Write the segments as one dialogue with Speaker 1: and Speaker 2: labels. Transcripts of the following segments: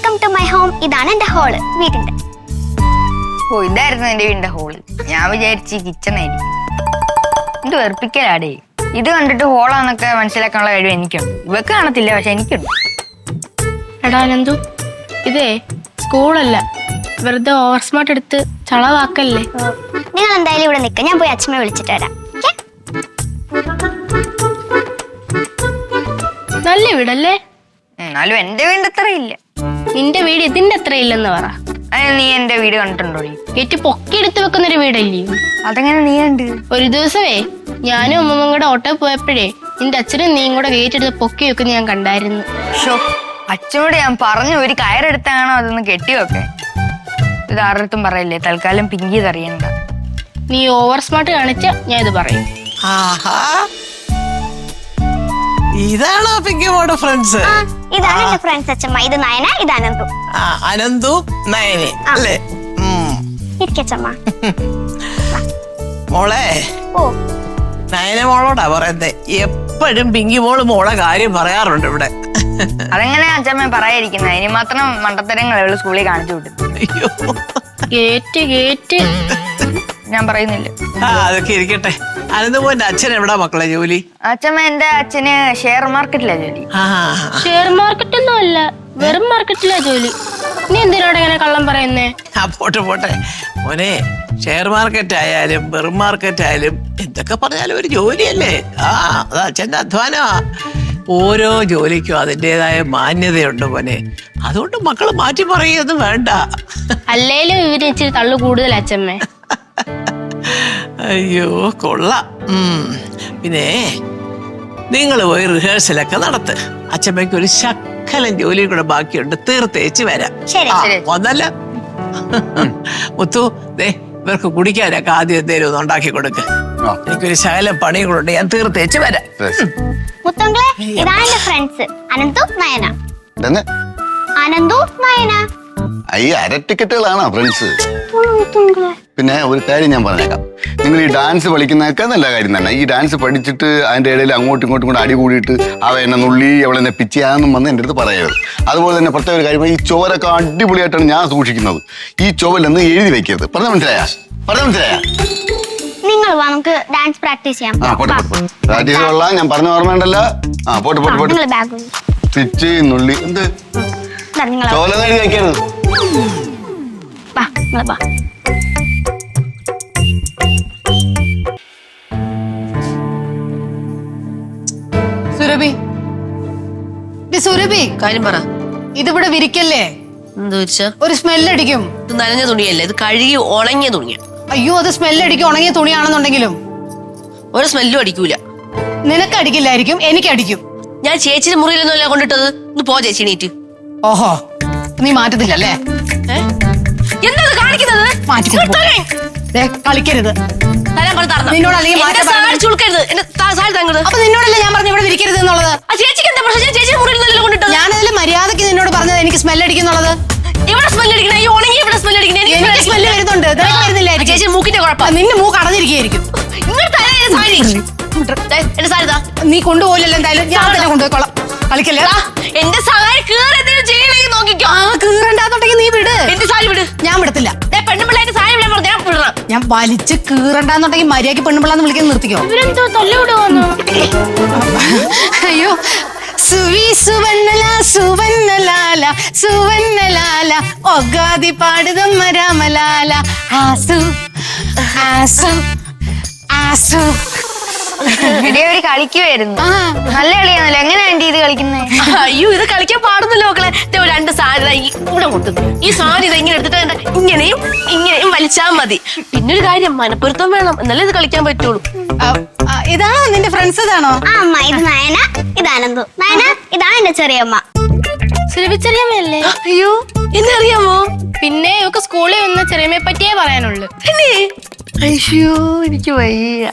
Speaker 1: Welcome to my home. ഇതാണ് എന്റെ hall, വീടിന്റെ.
Speaker 2: ഓ, ഇതായിരുന്നു എന്റെ വീടിന്റെ ഹോള്. ഞാൻ വിചാരിച്ച് കിച്ചൺ ആയിരിക്കും. ഇത് വെറുപ്പിക്കലാടേ. ഇത് കണ്ടിട്ട് ഹോളാന്നൊക്കെ മനസ്സിലാക്കാനുള്ള കഴിവ് എനിക്കുണ്ട്. ഇവക്ക് കാണത്തില്ല, പക്ഷെ എനിക്കുണ്ട്.
Speaker 3: എടാ നന്ദു, ഇതേ സ്കൂളല്ല, വെറുതെ ഓവർ സ്മാർട്ട് എടുത്ത് ചളവാക്കല്ലേ.
Speaker 1: നിങ്ങൾ എന്തായാലും ഇവിടെ നിൽക്കുക, ഞാൻ പോയി അച്ഛനെ വിളിച്ചിട്ട് വരാം.
Speaker 3: നല്ല വീടല്ലേ?
Speaker 2: എന്നാലും എന്റെ വീടിന്റെ അത്ര ഇല്ല.
Speaker 3: നിന്റെ വീട് ഇതിന്റെ അത്ര ഇല്ലെന്ന് പറ.
Speaker 2: നീ എന്റെ വീട് കണ്ടിട്ടുണ്ടോ?
Speaker 3: ഗേറ്റ് പൊക്കി എടുത്ത് വെക്കുന്നൊരു വീടല്ലേ?
Speaker 2: അതെങ്ങനെ നീ കണ്ട്?
Speaker 3: ഒരു ദിവസമേ ഞാനും അമ്മമ്മ കൂടെ ഓട്ടോ പോയപ്പോഴേ നിന്റെ അച്ഛനും നീയും കൂടെ ഗേറ്റ് എടുത്ത് പൊക്കി വെക്കുന്ന ഞാൻ കണ്ടായിരുന്നു.
Speaker 2: ഷോ, അച്ഛനോട് ഞാൻ പറഞ്ഞു ഒരു കയറെടുത്താണോ അതൊന്ന് കെട്ടിവെക്കെ. ഇത് ആരുടെ പറയില്ലേ, തൽക്കാലം പിങ്കി ഇതറിയണ്ട.
Speaker 3: നീ ഓവർ സ്മാർട്ട് കാണിച്ച ഞാൻ ഇത് പറയും.
Speaker 4: ഇതാണോ പിങ്കിമോടെ ഫ്രണ്ട്സ്?
Speaker 1: ഇതാണ് എന്റെ ഫ്രണ്ട്സ് അച്ഛമ്മ. ഇത് നയന, ഇത് അനന്തു.
Speaker 4: അനന്തു നയനെ അല്ലേ?
Speaker 1: ഇരിക്കച്ചമ്മ.
Speaker 4: മോളെ,
Speaker 1: ഓ,
Speaker 4: നയന മോളോടാ പറയുന്നത്. എപ്പോഴും പിങ്കി മോള് മോളെ കാര്യം പറയാറുണ്ട് ഇവിടെ.
Speaker 2: അതെങ്ങനെ അച്ഛമ്മ പറയാതിരിക്കുന്നത്? ഇനി മാത്രം മണ്ടത്തരങ്ങൾ അവള് സ്കൂളിൽ കാണിച്ചു വിട്ടു.
Speaker 4: അയ്യോ,
Speaker 3: ഗേറ്റ്
Speaker 2: ഞാൻ പറയുന്നില്ല.
Speaker 4: അതൊക്കെ ഇരിക്കട്ടെ. അനന്തമോന്റെ അച്ഛൻ എവിടാ മക്കളെ ജോലി?
Speaker 2: അച്ഛമ്മ എന്റെ അച്ഛന് ഷെയർ മാർക്കറ്റിലാ ജോലി.
Speaker 3: ഷെയർ മാർക്കറ്റ് ഒന്നും അല്ല, വെറും മാർക്കറ്റിലാ ജോലി. നീ എന്തിനോട് ഇങ്ങനെ കള്ളം പറയുന്നേ?
Speaker 4: പോട്ടെ മോനെ, ഷെയർ മാർക്കറ്റ് ആയാലും വെറും മാർക്കറ്റ് ആയാലും എന്തൊക്കെ പറഞ്ഞാലും ഒരു ജോലിയല്ലേ. അത് അച്ഛന്റെ അധ്വാനമാ. ഓരോ ജോലിക്കും അതിൻ്റെതായ മാന്യതയുണ്ട് മോനെ. അതുകൊണ്ട് മക്കള് മാറ്റി പറയുന്നത് വേണ്ട.
Speaker 3: അല്ലേലും ഇവര് ഇച്ചിരി തള്ളു കൂടുതൽ അച്ഛമ്മേ.
Speaker 4: അയ്യോ, കൊള്ളാം. പിന്നെ നിങ്ങൾ പോയി റിഹേഴ്സലൊക്കെ നടത്ത്. അച്ഛമ്മയ്ക്ക് ഒരു ശക്കലം ജോലിയും കൂടെ ബാക്കിയുണ്ട്, തീർത്തേച്ച് വരാം. ഒന്നല്ല മുത്തു, ദേ ഇവർക്ക് കുടിക്കാനൊക്കെ ആദ്യം എന്തേലും ഒന്ന് ഉണ്ടാക്കി കൊടുക്ക്. എനിക്കൊരു ശകലം പണിയും കൂടെ ഉണ്ട്, ഞാൻ തീർത്തേച്ച് വരാം.
Speaker 1: മുത്തങ്ങളെ, ഇതാണ് എന്റെ ഫ്രണ്ട്സ് അനന്തു നയന. അനന്തു നയന
Speaker 5: ഈ അര ടിക്കറ്റുകളാണോ ഫ്രണ്ട്സ്? പിന്നെ ഒരു കാര്യം ഞാൻ പറഞ്ഞേക്കാം. നിങ്ങൾ ഈ ഡാൻസ് പഠിക്കുന്നതൊക്കെ നല്ല കാര്യം തന്നെ. ഈ ഡാൻസ് പഠിച്ചിട്ട് അതിൻ്റെ ഇടയിൽ അങ്ങോട്ടും ഇങ്ങോട്ടും കൂടെ അടി കൂടിയിട്ട് അവ എന്നെ നുള്ളി അവളെന്നെ പിച്ചിയാന്നും വന്ന് എൻ്റെ അടുത്ത് പറയരുത്. അതുപോലെ തന്നെ പ്രത്യേക ഒരു കാര്യം, ഈ ചുവരൊക്കെ അടിപൊളിയായിട്ടാണ് ഞാൻ സൂക്ഷിക്കുന്നത്. ഈ ചുവലൊന്ന് എഴുതി വെക്കരുത്. പറഞ്ഞ മനസ്സിലായാ?
Speaker 1: നിങ്ങൾ വാ, നമുക്ക് ഡാൻസ് പ്രാക്ടീസ് ചെയ്യാം.
Speaker 5: പ്രാക്ടീസ് കൊള്ളാം, ഞാൻ പറഞ്ഞ ഓർമ്മയുണ്ടല്ലോ. പോട്ടെ പിച്ചി നുള്ളി എന്ത് ചോലൊന്നും എഴുതി വെക്കരുത്.
Speaker 6: സുരഭി, കാര്യം പറ. ഇതിവിടെ വിരിക്കല്ലേ? ഒരു സ്മെല്ലടിക്കും.
Speaker 7: ഇത് നനഞ്ഞ തുണിയല്ലേ, ഇത് കഴുകി ഉണങ്ങിയ തുണിയാ.
Speaker 6: അയ്യോ, അത് സ്മെല്ലടിക്കും. ഉണങ്ങിയ തുണിയാണെന്നുണ്ടെങ്കിലും
Speaker 7: ഒരു സ്മെല്ലും അടിക്കൂല.
Speaker 6: നിനക്ക് അടിക്കില്ലായിരിക്കും, എനിക്ക് അടിക്കും.
Speaker 7: ഞാൻ ചേച്ചിയുടെ മുറിയിലൊന്നുമല്ല കൊണ്ടിട്ടത്. ഒന്ന് പോ ചേച്ചി, നീറ്റ്.
Speaker 6: ഓഹോ, നീ മാറ്റത്തില്ലല്ലേ?
Speaker 7: എന്താ കാണിക്കുന്നത്?
Speaker 6: കളിക്കരുത്. അപ്പൊ നിന്നോടല്ലേ ഞാൻ പറഞ്ഞു ഇവിടെ വിരിക്കരുത് എന്നുള്ളത്?
Speaker 7: ചേച്ചിക്ക് എന്താ പ്രശ്നം? ഞാൻ ചേച്ചിയുടെ മുറിയിലൊന്നുമല്ല കൊണ്ടിട്ടത്.
Speaker 6: ഞാനതിൽ മര്യാദക്ക് നിന്നോട് പറഞ്ഞത് എനിക്ക് സ്മെല്ലടിക്കുന്നുള്ളത്.
Speaker 7: ഇവിടെ സ്മെല്ലടിക്കണേ, ഈ ഉണങ്ങി ഇവിടെ സ്മെല്ലടിക്കണേ.
Speaker 6: എനിക്ക് സ്മെല്ല് വരുന്നുണ്ട്, വരുന്നില്ലായിരിക്കും.
Speaker 7: ചേച്ചി മൂക്കിന്റെ കുഴപ്പം.
Speaker 6: നിന്റെ മൂക്ക് അടഞ്ഞിരിക്കുകയായിരിക്കും.
Speaker 7: എന്റെ സാരി
Speaker 6: നീ കൊണ്ടുപോയില്ലല്ലോ. എന്തായാലും ഞാൻ തന്നെ കൊണ്ടുപോയിക്കോളാം. കളിക്കല്ലേ?
Speaker 7: എന്റെ സാരി കീറെന്തെങ്കിലും ചെയ്യണമെങ്കിൽ നോക്കിക്കോ.
Speaker 6: കീറണ്ടാന്നുണ്ടെങ്കിൽ നീ വിട്.
Speaker 7: എന്റെ സാരി വിട്.
Speaker 6: ഞാൻ വിടത്തില്ല.
Speaker 7: പെണ്ണുപിള്ളേന്റെ സാരി വിടാൻ പറഞ്ഞു, ഞാൻ വിടണം.
Speaker 6: ഞാൻ വലിച്ച് കീറണ്ടാന്നുണ്ടെങ്കിൽ മര്യാദക്ക് പെണ്ണുപിള്ളാന്ന് വിളിക്കാൻ നിർത്തിക്കോ.
Speaker 3: ഇവരെന്തോ തല്ലുവിടുവന്നു.
Speaker 6: അയ്യോ, സുവി സുവന്നല സുവന്നലാല സുവന്നലാല ഒഗാതി പാടുതമ്മ രാമലാല ആസു ആസു ആസു.
Speaker 2: ഒരു കളിക്കുവായിരുന്നു. നല്ല കളിയാണല്ലോ. എങ്ങനെ ആന്റി ഇത് കളിക്കുന്നത്?
Speaker 7: അയ്യോ, ഇത് കളിക്കാൻ പാടുന്നല്ലോ മക്കളെ. രണ്ട് സാരി ഇവിടെ കൊണ്ടുവന്നു. ഈ സാരി ഇങ്ങനെ എടുത്തിട്ട് ഇങ്ങനെയും ഇങ്ങനെയും വലിച്ചാൽ മതി. പിന്നൊരു കാര്യം, മനപ്പൊരുത്തം വേണം, എന്നാലേ ഇത് കളിക്കാൻ പറ്റുള്ളൂ.
Speaker 6: ഇതാണോ നിന്റെ ഫ്രണ്ട്സ്? ഇതാണോ?
Speaker 1: അമ്മ, ഇത് നയന, ഇത് അനന്തു. നയന, ഇതാണ് എന്റെ ചെറിയമ്മ.
Speaker 3: ചെറിയമ്മയല്ലേ?
Speaker 7: അയ്യോ, എന്നെ അറിയാമോ?
Speaker 3: പിന്നെ ഇവക്ക് സ്കൂളിൽ വന്ന ചെറിയമ്മയെ പറ്റിയേ പറയാനുള്ളൂ.
Speaker 7: പിന്നെ അയ്യോ, എനിക്ക് വയ്യ.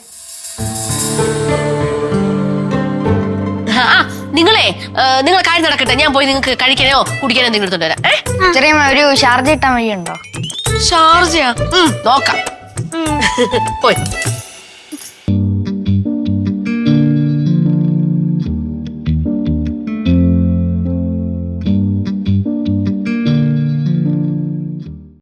Speaker 7: നിങ്ങളെ നിങ്ങൾ കാര്യം നടക്കട്ടെ, ഞാൻ പോയി നിങ്ങൾക്ക് കഴിക്കാനോ കുടിക്കാനോ എന്തെങ്കിലും എടുത്തോണ്ട് വരാം.
Speaker 2: ചെറിയ ഒരു ഷാർജ ഇട്ടാൻ വഴിയുണ്ടോ?
Speaker 7: ഷാർജയാ? നോക്കാം. പോയി.